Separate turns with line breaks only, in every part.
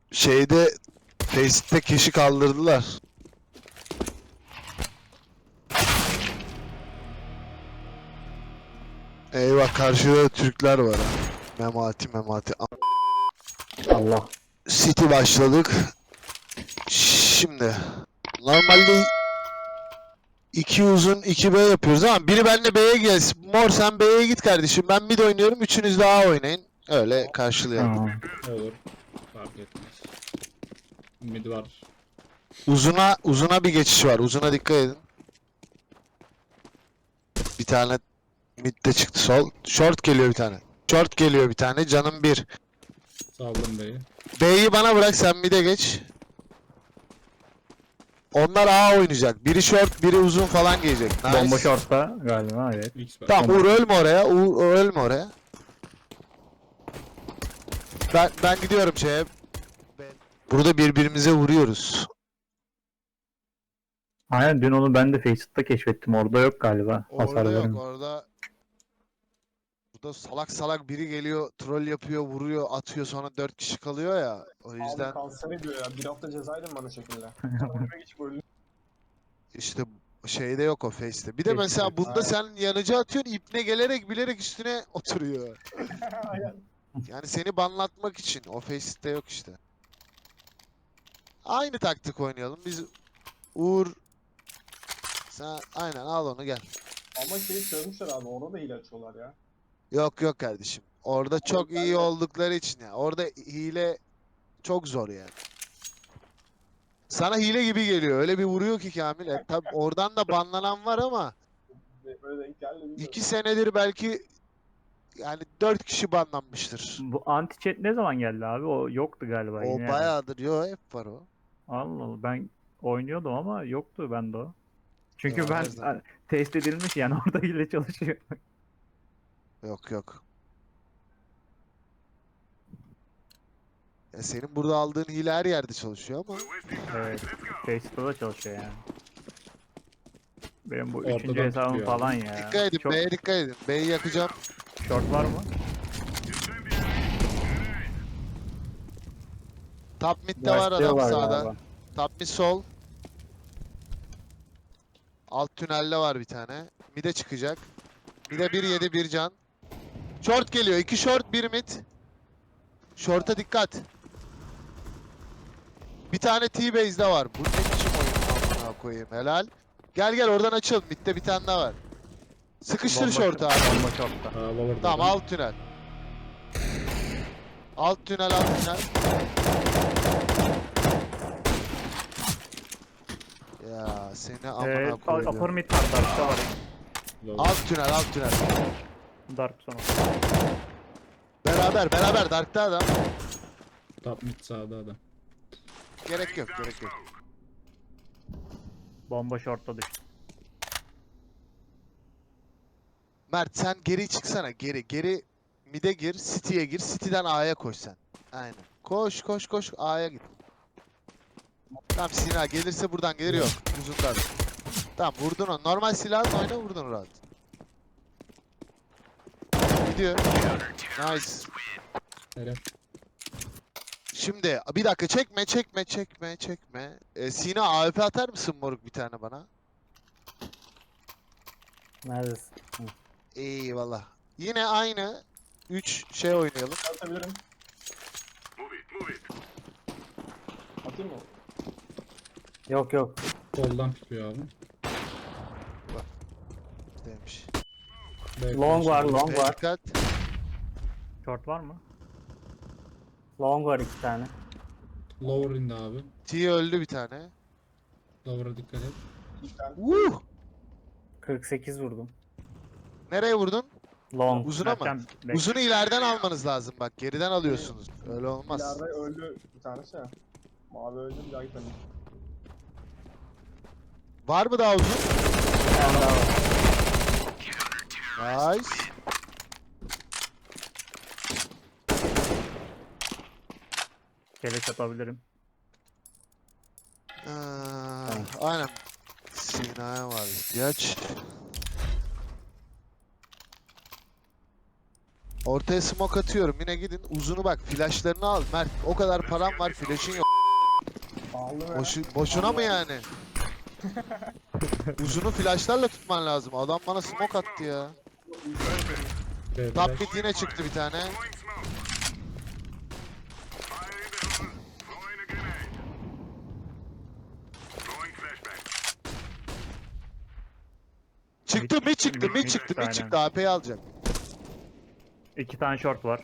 Şeyde Face'te kişi kaldırdılar. Eyvah, karşıda da Türkler var ha. Memati memati.
Allah.
City başladık. Şimdi normalde 2 uzun 2 B yapıyoruz ama biri benimle B'ye gelsin. Mor sen B'ye git kardeşim. Ben mid oynuyorum. Üçünüz de A oynayın. Öyle karşılayalım.
Tamam.
Olur. Fark etmez. Mid var.
Uzuna bir geçiş var. Uzuna dikkat edin. Bir tane midde çıktı sol. Short geliyor bir tane. Short geliyor bir tane. Canım bir.
Saldım B'yi.
B'yi bana bırak, sen mid'e geç. Onlar A oynayacak. Biri short, biri uzun falan gelecek. Nice.
Bomba short'ta galiba, evet.
X var.
Tamam, Uğur ölme oraya. Uğur ölme oraya. Ben gidiyorum şeye. Burada birbirimize vuruyoruz.
Aynen, dün onu ben de Facebook'ta keşfettim. Orada yok galiba.
Orada
Hasar
yok,
vermiyor.
orada. Burada salak salak biri geliyor, troll yapıyor, vuruyor, atıyor, sonra 4 kişi kalıyor ya. O yüzden
Abi kanser diyor ya. Bir hafta cezaydım bana şekilde. Önüme geçip öldüm.
işte şeyde yok o Face'te. Bir de
Face'te
mesela
yok.
bunda sen yanıcı atıyorsun, ipne gelerek bilerek üstüne oturuyor.
Aynen.
Yani seni banlatmak için. O Face'te yok işte. Aynı taktik oynayalım. Biz Uğur, sen aynen al onu gel.
Ama şeyi çözmüşler abi. Orada da hile açıyorlar ya.
Yok yok kardeşim. Orada çok iyi
ben de-
oldukları için ya. Orada hile çok zor yani. Sana hile gibi geliyor. Öyle bir vuruyor ki Kamil. Tabi oradan da banlanan var ama
Böyle denk geldi bilmiyorum.
2 senedir belki yani 4 kişi banlanmıştır.
Bu anti-chat ne zaman geldi abi? O yoktu galiba
O
yine.
bayağıdır. Yo, hep var o.
Allah Allah, ben oynuyordum ama yoktu bende o. Çünkü
Yo,
ben
her zaman.
test edilmiş yani orada hile çalışıyor.
Yok yok. Ya senin burada aldığın hile her yerde çalışıyor ama
Evet. Facebook'ta da çalışıyor yani. Benim bu
Ortadan
üçüncü hesabım
tutuyor
falan
abi.
ya.
dikkat edin,
Çok
B'ye dikkat edin. B'yi yakacağım.
short var mı?
Top mid'de var adam
Başlıyorlar
sağda.
galiba.
Top mid sol. Alt tünelde var bir tane. Mid'e çıkacak. Mid'e 1 yedi, 1 can. Short geliyor. 2 short, 1 mid. Short'a dikkat. Bir tane T-base'de var. Bu ne biçim oyun, amına koyayım. Helal. Gel gel oradan açıl. Mid'de bir tane daha var. Sıkıştır
Bomba-
short'u abi.
Bomba short'ta.
Lower
Tamam,
dedim.
alt tünel. Alt tünel, alt tünel. Ya seni amına
Upper
koydum.
mid var, Dark'ta var.
Lower.
Alt tünel, alt tünel.
Dark sonu.
Beraber Dark'ta adam.
Top mid sağda adam.
Gerek yok, gerek yok.
Bomba short'ta düştü.
Mert sen geri çıksana, geri mid'e gir, City'ye gir, City'den A'ya koş sen. Aynen. Koş koş koş, A'ya git. Tamam, Sina gelirse buradan gelir, yok. Uzundan. Tamam, vurdun onu. Normal silahla oyna, vurdun rahat. Gidiyor. Nice.
Helal.
Şimdi bir dakika, çekme. Sina AWP atar mısın moruk bir tane bana?
Neredesin?
Eyvallah. Yine aynı 3 şey oynayalım.
Atabilirim. Atayım mı?
Yok yok.
Soldan tutuyor abi.
Demiş.
B
Long var, long var.
Dikkat.
Short var mı? Long var 2 tane.
Lower indi abi.
T öldü bir tane.
Lower'a dikkat et.
Bir tane.
48 vurdum.
Nereye vurdun?
Long.
Uzuna mı?
Mertcan,
Uzunu ileriden almanız lazım bak. Geriden alıyorsunuz. Öyle olmaz.
İleride öldü bir tanesi ya. Mavi öldü, bir daha gitmedi.
Var mı daha uzun?
Bir tane daha var.
Nice.
Keleş atabilirim.
Aynen. Sina'ya var ihtiyaç. Ortaya smoke atıyorum. Yine gidin. Uzunu bak. Flashlarını al. Mert o kadar param var. Flash'ın yok.
Pahalı be.
Boşuna mı yani? Uzunu flashlarla tutman lazım. Adam bana smoke attı ya.
B
Top
flash.
mid yine çıktı bir tane. Çıktı mid çıktı mid çıktı mid
Aynen.
çıktı. AP'yi alacak.
2 tane short var.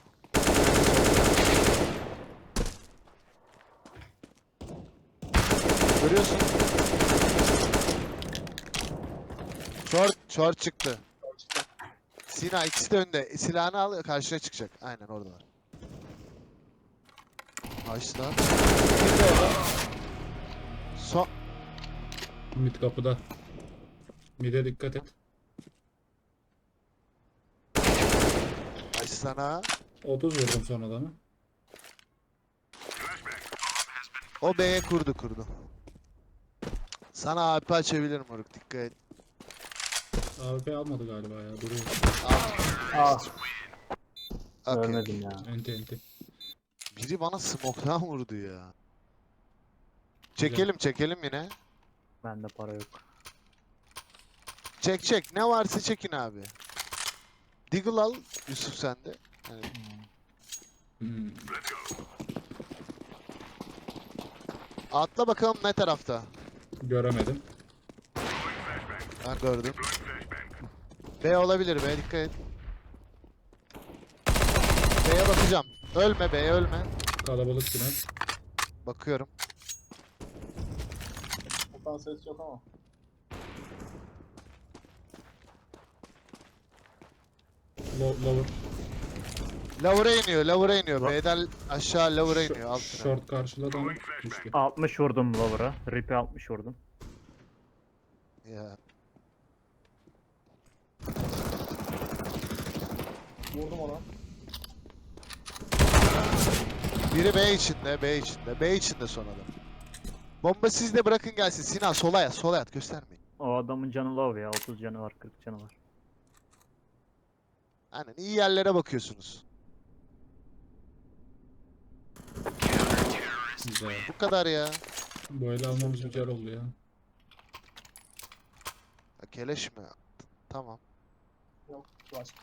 Görüyorsun. Short çıktı. Sina ikisi de önde. Silahını al karşıya çıkacak. Aynen oradalar. Açtılar. Bir de orada. Son.
Mid kapıda. Mid'e dikkat et.
Aç sana.
30 vurdum son adamı.
O B'ye kurdu. Sana AP açabilirim moruk dikkat et.
AWP almadı galiba ya. Duruyor.
Al.
Ah,
Okey.
görmedim ya.
Enti.
Biri bana smoke'dan vurdu ya. Çekelim yine.
Bende para yok.
Çek. Ne varsa çekin abi. Deagle al Yusuf sende. Yani
Hmm.
atla bakalım ne tarafta.
Göremedim.
Ben gördüm. B olabilir B dikkat et. B'ye bakacağım. Ölme B'ye ölme.
Kalabalık yine.
Bakıyorum.
Okan ses yok ama.
Lower.
Lower'a iniyor.
Lo-
B'den aşağı lower'a iniyor. Altına.
Short karşıladı ama düştü.
60 vurdum lower'a. Rip'e 60 vurdum.
Ya.
Vurdum ona.
Biri B içinde. B içinde son adam. Bomba sizde bırakın gelsin. Sinan sola yat göstermeyin.
O adamın canı low ya. 30 canı var, 40 canı var.
Aynen iyi yerlere bakıyorsunuz.
Güzel.
Bu kadar ya.
Bu ele almamız güzel oldu ya.
Ya keleş mi? Tamam.
Yok. Flash.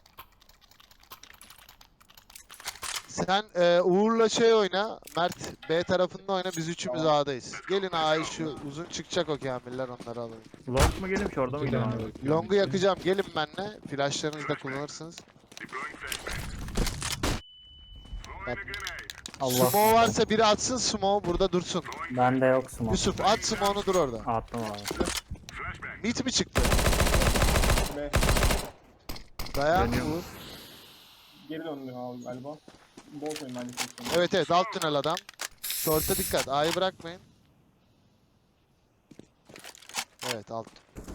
Sen Uğur'la şey oyna. Mert B tarafında oyna. Biz üçümüz
Tamam.
A'dayız. Gelin A'yı şu uzun çıkacak o Kamiller onları alın.
Long mu geleyim short'a mı
İki
gideyim
tane
abi?
bakıyorum.
Long'u yakacağım. Gelin benle. Flashlarınızı da kullanırsınız. Bak,
Allah.
Smoke varsa biri atsın smoke burada dursun.
Bende yok smoke.
Yusuf at smoke'unu dur orada.
Attım abi.
Mid mi çıktı?
B.
Dayan
Dönüyorum.
Uğur.
Geri döndü abi galiba. Bozmayın bence pozisyonu.
Evet alt tünel adam. Short'a dikkat. A'yı bırakmayın. Evet alt.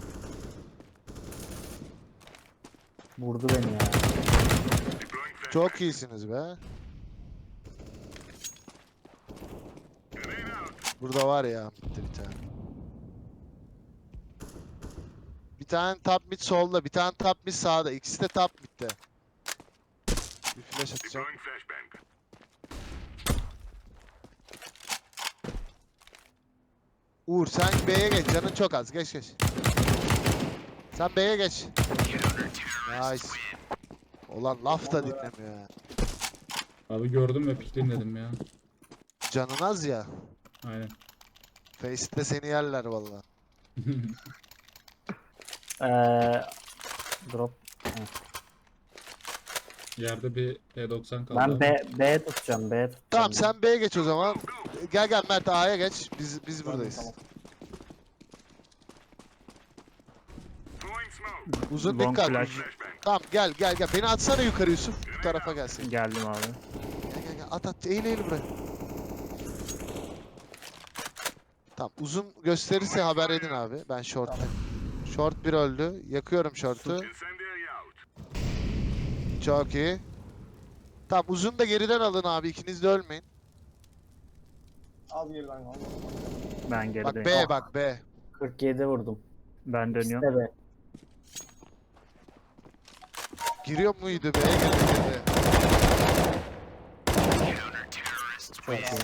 Vurdu beni ya.
Çok iyisiniz be. Burada var ya bitti bir tane. Bir tane top mid solda, bir tane top mid sağda. İkisi de top mid'de. Bir flash atacağım. Uğur sen B'ye geç. Canın çok az. Geç. Sen B'ye geç. Nice. Ulan laf da dinlemiyor ya.
Abi gördüm ve pikleyin dedim ya.
Canın az ya.
Aynen.
Face'te seni yerler valla.
Drop.
Yerde bir P90 kaldı.
Ben B tutacağım. B tutacağım.
Tamam sen B'ye geç o zaman. Gel Mert A'ya geç. Biz buradayız.
Tamam.
Uzun
Long
dikkat.
flash.
Tamam gel. Beni atsana yukarı Yusuf. Bu tarafa gelsin.
Geldim abi.
Gel. At. Eğil buraya. Tamam uzun gösterirse haber edin abi. Ben short. Short bir öldü. Yakıyorum short'u. Çok iyi. Tamam uzun da geriden alın abi. İkiniz de ölmeyin.
Az geriden kaldı.
Ben
Bak
gerideyim.
Bak B.
47 vurdum.
Ben dönüyorum.
Evet.
Giriyor muydu be? Girdi.
Çok iyi.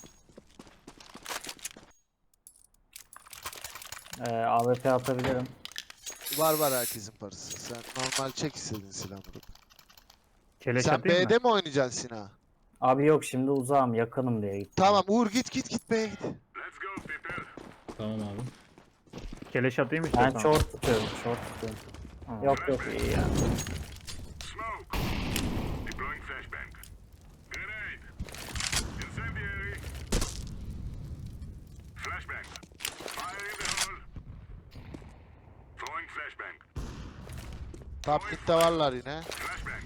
AWP atabilirim.
Var herkesin parası. Sen normal çek istediğin silahını.
Keleş
Sen
atayım mı?
B'de mi oynayacaksın Sina?
Abi yok, şimdi uzağım, yakınım diye gittim.
Tamam Uğur git B'ye git.
Tamam abi.
Keleş atayım
Ben
istiyorsan.
short tutuyorum. Short tutuyorum.
Tamam.
Yok yok iyi ya.
Smoke. Deploying flashbang. Grenade. Incendiary. Flashbang. Fire in the hole. Throwing flashbang.
Top mid'de varlar yine.
Flashbang.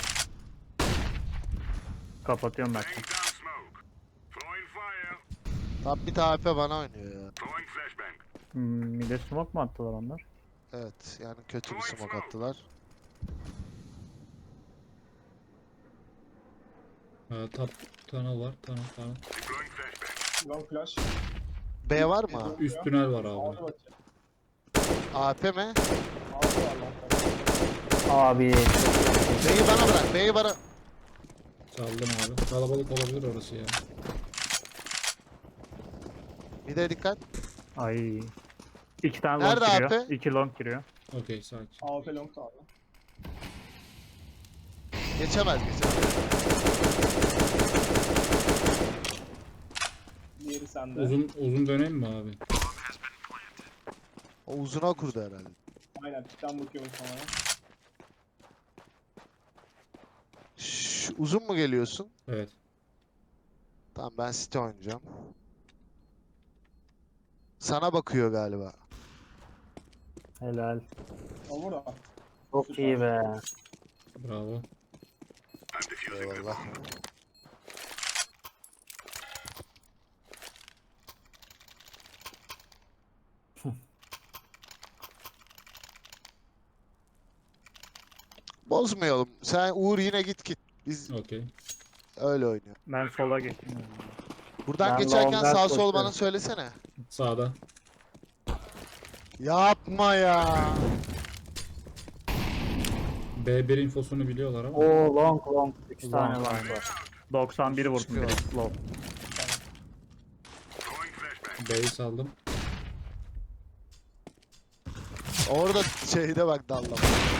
Kapatıyorum ben.
Laying down smoke. Throwing fire.
Top mid AP bana oynuyor ya.
Throwing flashbang.
Mide smoke mu attılar onlar?
Evet yani kötü bir smoke attılar.
Top tunnel var. Tunnel.
Deploying flashbang.
Long flash.
B var mı?
Üst tünel var
Aldı
abi.
bakayım.
AP mi?
Aldı var long flash.
Abi
B'yi bana bırak. B'yi bana.
Çaldım abi. Kalabalık olabilir orası ya.
Mid'e dikkat.
Ay. 2 tane
Nerede
long giriyor.
AP?
2 long giriyor.
Okey sakin.
AWP long da aldı.
Geçemez.
Diğeri sende.
Uzun döneyim mi abi?
O uzuna kurdu herhalde.
Aynen pikten bakıyorum sana.
Şşş, uzun mu geliyorsun?
Evet.
Tamam ben City oynayacağım. Sana bakıyor galiba.
helal.
O burada.
Çok iyi be.
Bravo.
I'm defusing the
Eyvallah.
bomb.
Bozmayalım. Sen Uğur yine git. Biz
Okey.
öyle oynuyor.
Ben sola geçtim.
Buradan
Ben
geçerken
long'dan
sağ sol
koşuyorum.
bana söylesene.
Sağda.
Yapma ya.
B1 infosunu biliyorlar ama.
Oo long. 3
Long.
tane long var.
91 vurdum
Çıkıyor.
biri low.
Throwing flashbang.
B'yi saldım.
Orada şeyde bak dallama.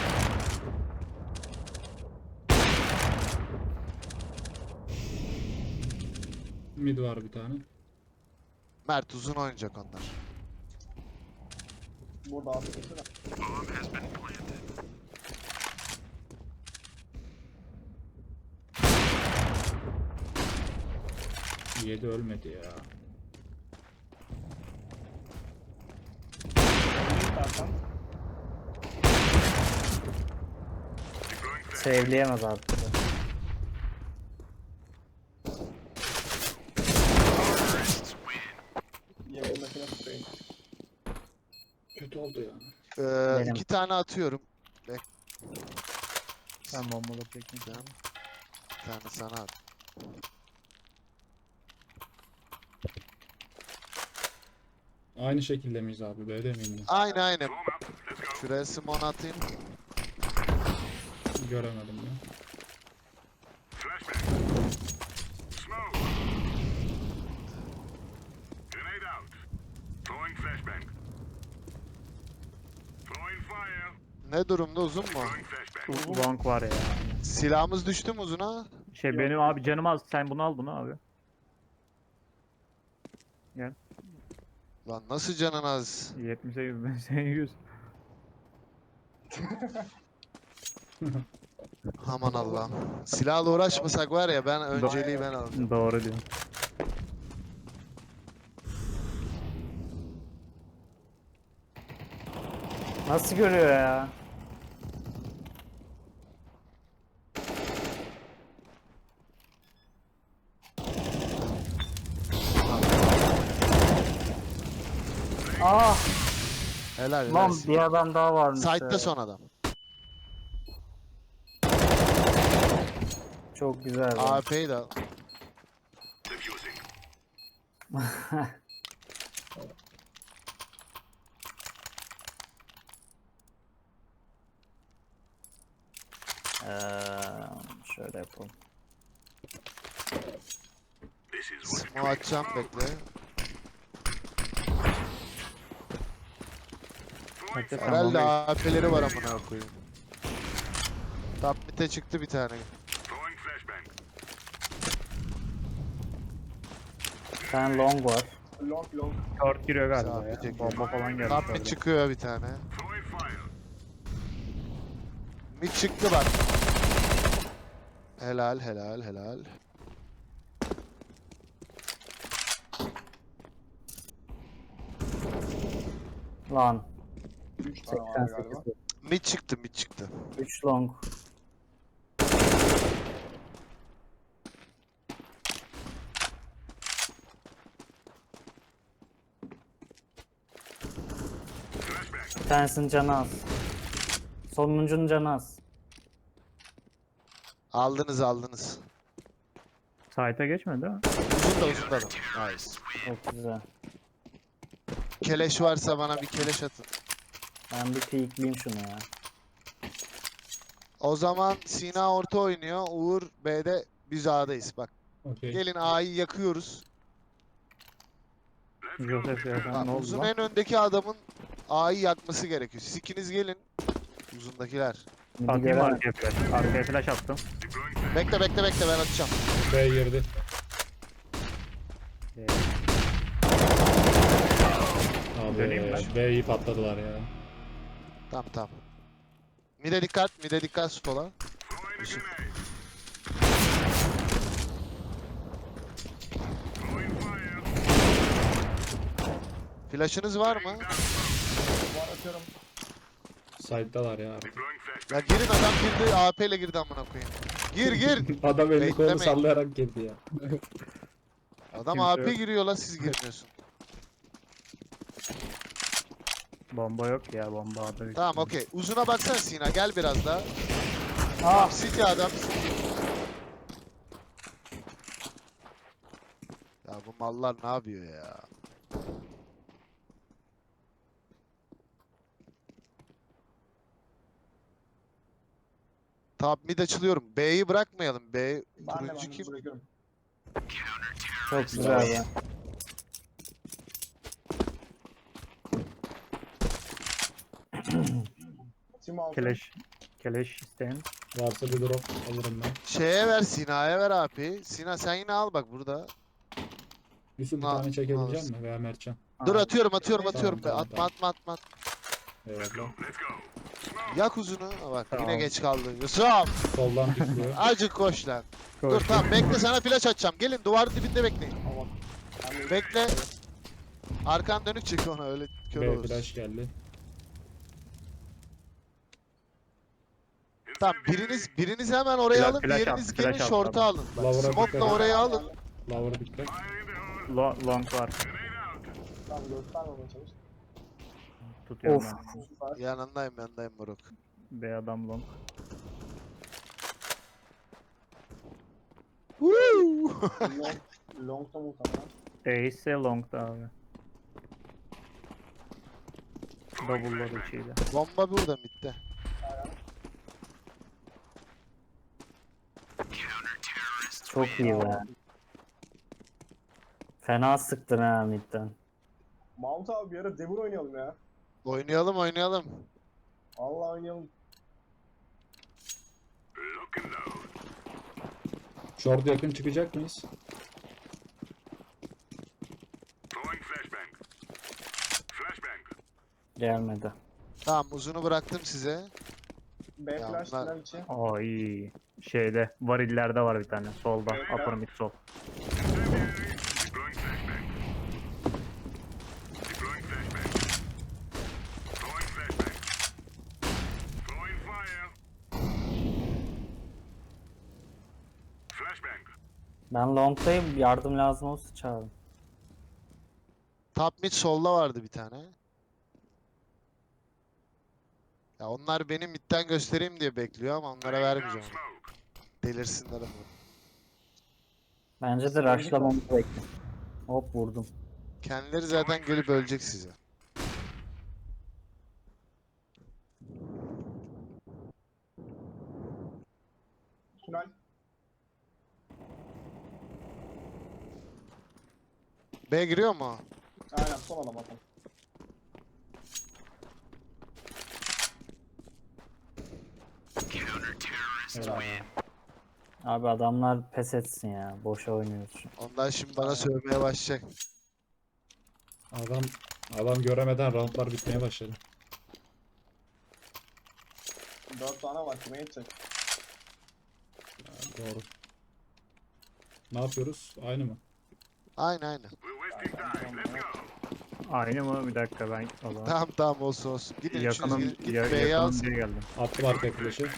Mid var bir tane.
Mert uzun oynayacak onlar.
Burada atmışsın.
7 ölmedi ya.
İstersen.
Deploying flashbang.
Save'leyemez artık.
Yakındakine tutayım.
Kötü oldu ya.
Benim.
2 tane atıyorum.
Ben bombalı çekeyim.
Sen. Bir tane sana at.
Aynı şekilde miyiz abi? B'de miyim
Aynen.
Bomb up. Let's go.
Şuraya simon atayım.
ben? Göremedim ya.
Flashbang. Smoke. Grenade out. Throwing flashbang. Throwing fire.
Ne durumda uzun mu?
Throwing flashbang.
Long var ya.
Silahımız düştü mü uzuna?
Şey benim abi canım az. Sen bunu al bunu abi.
Lan nasıl canın az?
78 ben sen 100.
Aman Allah'ım. Silahla uğraşmasak var ya ben önceliği ben aldım.
Doğru diyorsun.
Nasıl görüyor ya? Ah
Helal
lan
helal.
bir adam daha varmış.
Side'da
ya.
son adam.
Çok güzel. be.
AWP'yi de al.
Defusing.
Şöyle yapalım.
This is what
Smoke atacağım bekle.
Bekle sen
Herhalde
bombayı.
AP'leri var amına koyayım. Top mid'e çıktı bir tane.
throwing flashbang.
Bir tane long var.
Long long.
Short giriyor galiba
Sağ, bir
ya.
tek
Bomba falan geldi.
Top mid çıkıyor bir tane.
Throwing fire.
Mid çıktı bak. Helal helal helal.
Lan.
3 tane var galiba.
88.
Mid çıktı mid çıktı.
3 long. Bir tanesinin canı az. Sonuncunun canı az.
Aldınız aldınız.
Site'a geçmedi değil mi?
Uzun da Nice.
Çok güzel.
Keleş varsa bana bir keleş atın.
Ben bir peekleyeyim şunu ya.
O zaman Sina orta oynuyor. Uğur B'de biz A'dayız. Bak
Okey.
gelin A'yı yakıyoruz.
Joseph ya sen ne oldu
Uzun
lan?
en öndeki adamın A'yı yakması gerekiyor. Siz ikiniz gelin. Uzundakiler.
Midi
Atayım
göremem.
arkaya flash. Arkaya flash attım.
Bekle bekle bekle ben atacağım.
B girdi.
Döneyim
Abi
ben.
B'yi patladılar ya.
Tamam tamam. Mide dikkat sola.
Throwing a grenade. Throwing fire.
Flash'ınız var mı?
Var atıyorum.
Side'dalar ya.
Deploying flashbang.
Ya girin adam girdi AP ile girdi amına koyayım. Gir gir.
Adam elini kolunu
Beklemeyin.
sallayarak girdi ya.
Adam
Kimse
AP
yok.
giriyor la siz girmiyorsun.
Bomba yok ya bomba adı.
Tamam okey. Uzuna baksana Sina gel biraz daha.
Ah!
City adam City. Ya bu mallar ne yapıyor ya? Tamam mid açılıyorum. B'yi bırakmayalım. B
Ben de
turuncu kim?
bırakıyorum.
Çok güzel ya.
Tim altı.
Keleş. Keleş isteyen.
Varsa bir drop alırım ben.
Şeye ver Sina'ya ver AP. Sina sen yine al bak burada.
Yusuf bir
Al,
tane çekebilecek
alırsın.
misin veya Mertcan?
Dur
Aa,
atıyorum
Tamam,
atıyorum.
tamam,
Atma
tamam.
atma atma.
Eyvallah.
Let's go.
Yak uzunu. Ha bak
Tamam.
yine geç kaldı. Yusuf.
Soldan pikliyor.
Acık koş lan. Dur
Koş.
tamam bekle sana flash atacağım. Gelin duvar dibinde bekleyin.
Tamam. Ben de-
Bekle. Arkan dönük çık ona öyle kör
B
olursun.
flash geldi.
Tamam biriniz hemen oraya
Flash-
alın.
flash
Diğeriniz
at,
gelin
flash at
short'a
tabii.
alın. Bak,
Lower'a
smoke'la
dikkat et.
oraya alın.
Lower dikkat.
Fire in the hole.
Long var.
Grenade out.
Tamam göstermemeye çalış.
Tutuyorum
Of.
ben.
Süper.
Yanındayım moruk.
B adam long.
Long, long'da muhtemelen.
E ise long'da abi. Double'lar içiyle.
Bomba burada midde.
Çok iyi be. Fena sıktın ha midden.
Mount abi bir ara Devur oynayalım ya.
Oynayalım.
Allah oynayalım.
Lock and load.
Short yakın çıkacak mıyız?
Throwing flashbang. Flashbang.
Gelmedi.
Tamam uzunu bıraktım size.
B
Ya
flash
bunlar-
final için.
Aa iyi. Şeyde varillerde var bir tane. Solda.
Evet.
Upper mid sol.
Deploying flashbang. Deploying flashbang. Throwing flashbang. Throwing fire. Flashbang.
Ben long'dayım. Yardım lazım olsa çağırın.
Top mid solda vardı bir tane. Ya onlar benim midden göstereyim diye bekliyor ama onlara vermeyeceğim. onu.
Smoke.
Delirsinler ama.
Bence de rushlamamı bekle. Hop vurdum.
Kendileri zaten gelip ölecek size. B giriyor mu?
Aynen son adam atalım.
Abi adamlar pes etsin ya. Boşa oynuyoruz şu an.
Ondan şimdi bana sövmeye başlayacak.
Adam göremeden roundlar bitmeye başladı.
4 tane var kime yetecek?
Doğru. Ne yapıyoruz? Aynı mı?
Aynen.
We're wasting time. Let's go.
Aynı mı? Bir dakika ben o zaman.
Tamam olsun. Gidin
Yakınım,
üçünüz gidin. Git B'ye
yakınım
alsın.
diye geldim.
Attım arkaya flash'ı.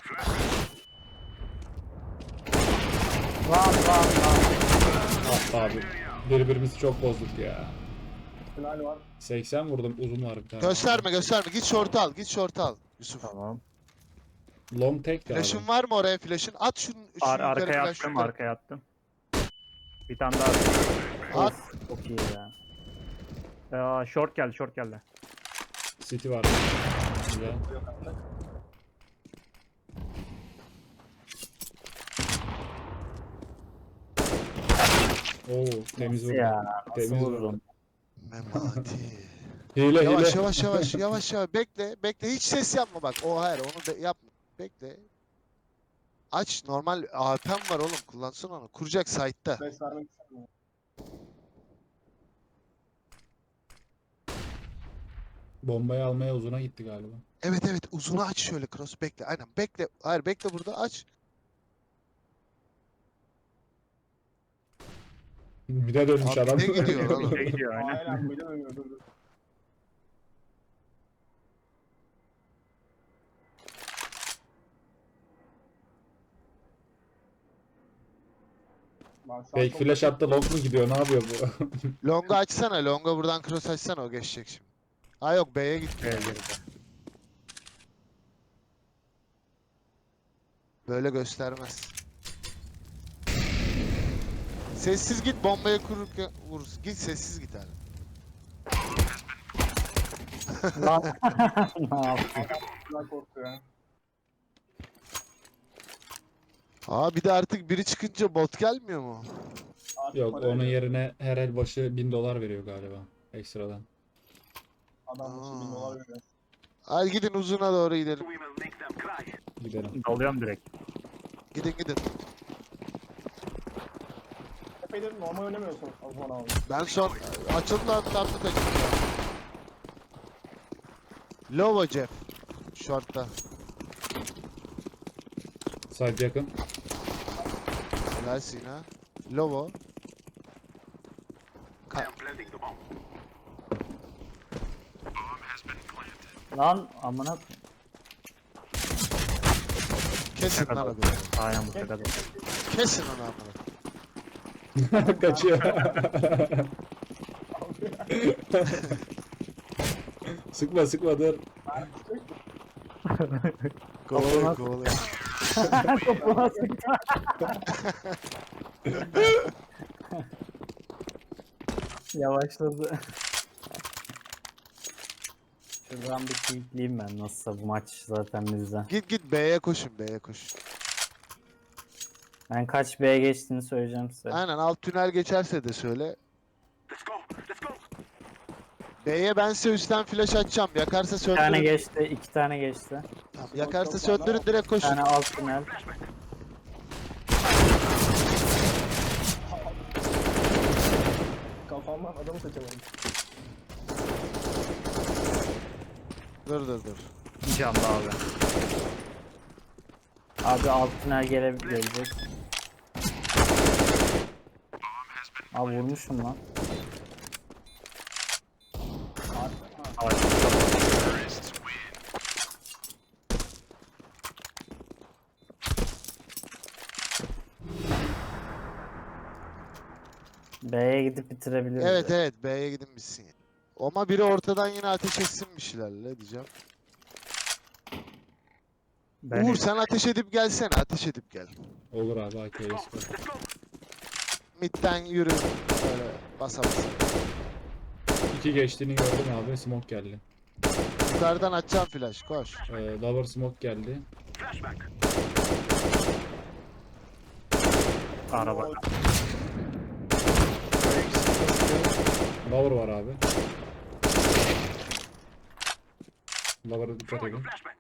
Lan.
Attı abi. Birbirimizi çok bozduk ya.
Final var.
80 vurdum, uzun var bir tane.
Gösterme. Git short al. Yusuf.
Tamam.
Long tek de abi.
Flash'ın var mı oraya flash'ın? At şunu yukarı
Arkaya
flash
attım,
yukarı.
arkaya attım. Bir tane daha.
At.
Çok iyi ya.
Short geldi.
City var. Güzel.
Yok artık.
Oo, temiz
Nasıl
vurdu.
ya? Nasıl
Temiz vurdu.
vurdun?
Memati.
Hile
Yavaş
hile.
yavaş. Bekle. Hiç ses yapma bak. O hayır onu yapma. Bekle. Aç normal AP'm var oğlum. Kullansın onu. Kuracak site'ta.
Beş vermek istemiyorum.
Bombayı almaya uzuna gitti galiba.
Evet uzunu aç şöyle cross bekle. Aynen bekle. Hayır bekle burada aç.
Bir de dönmüş
Abi
adam.
ne gidiyor oğlum?
Bir de gidiyor aynen.
Aynen bir de dönüyor. Dur. Ben şu an
Fake
çok-
flash attı, long mu gidiyor? Ne yapıyor bu?
Longa açsana. Longa buradan cross açsana o geçecek şimdi. Ha yok B'ye gitti.
B'ye girdi.
Böyle göstermez. Sessiz git bombaya kururken vurursun. Git sessiz git abi.
Lan. Ne yaptın?
Güzel korktu ya.
Aa bir de artık biri çıkınca bot gelmiyor mu?
Artık
Yok,
para
onun
veriyor.
yerine her el başı $1000 veriyor galiba. Ekstradan.
Adam başı 1000 dolar veriyor.
Hadi gidin uzuna doğru gidelim.
We will make them cry.
Gidelim.
Dalıyorum direkt.
Gidin.
Epeydir normal oynamıyorsun o zaman abi.
Ben son açıldı lan tatlı takım. Lovo Jeff. Short'ta.
Side yakın.
Helal Sina. Lovo.
I am planting the bomb.
Lan amına koyayım.
Kesin lan abi.
Aynen bu kadar.
Kesin onu amına.
Kaçıyor. sıkma dur.
Kovalıyor.
Topuna sıktı. Yavaşladı. Şuradan bir kilitleyeyim ben nasılsa bu maç zaten bizden.
Git B'ye koşun.
Ben kaç B'ye geçtiğini söyleyeceğim size.
Aynen alt tünel geçerse de söyle.
Let's go. Let's go.
B'ye ben size üstten flash açacağım. Yakarsa
Bir tane
söndürün.
geçti, iki tane geçti.
Tamam, yakarsa söndürün direkt
Bir
koşun.
tane alt tünel.
Kafamdan adamı seçemedim.
Dur.
Canlı abi.
Abi alt tünel gelecek. Abi vurmuşum lan. B'ye gidip bitirebiliriz.
Evet B'ye gidin bitsin. Ama biri ortadan yine ateş etsin bir şeylerle diyeceğim.
Ben
Uğur sen ateş edip gelsene. Ateş edip gel.
Olur abi, AK'ye sıkı.
Mid'den yürü. Böyle basa.
2 geçtiğini gördüm abi, smoke geldi.
Yukarıdan açacağım flash. Koş.
Lower smoke geldi.
Flashback.
araba.
O-
Lower var abi. Lower'a dikkat edin.
Flashback.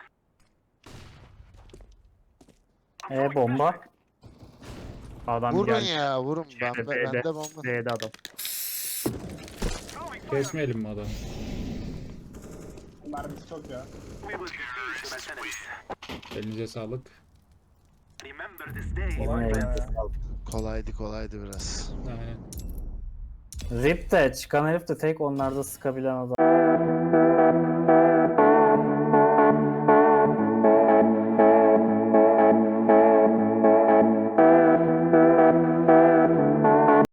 Bomba. Adam
Vurun
geldi.
ya vurun.
Şeyde,
Bende bomba.
B'de adam.
Kesmeyelim mi adam?
Mermisi çok ya.
We will defeat the mercenaries.
Elinize sağlık.
Remember this day.
Yemin
Kolay
ederim.
ya.
Kolaydı biraz.
Aynen.
Rip de çıkan herif de tek onlarda sıkabilen adam.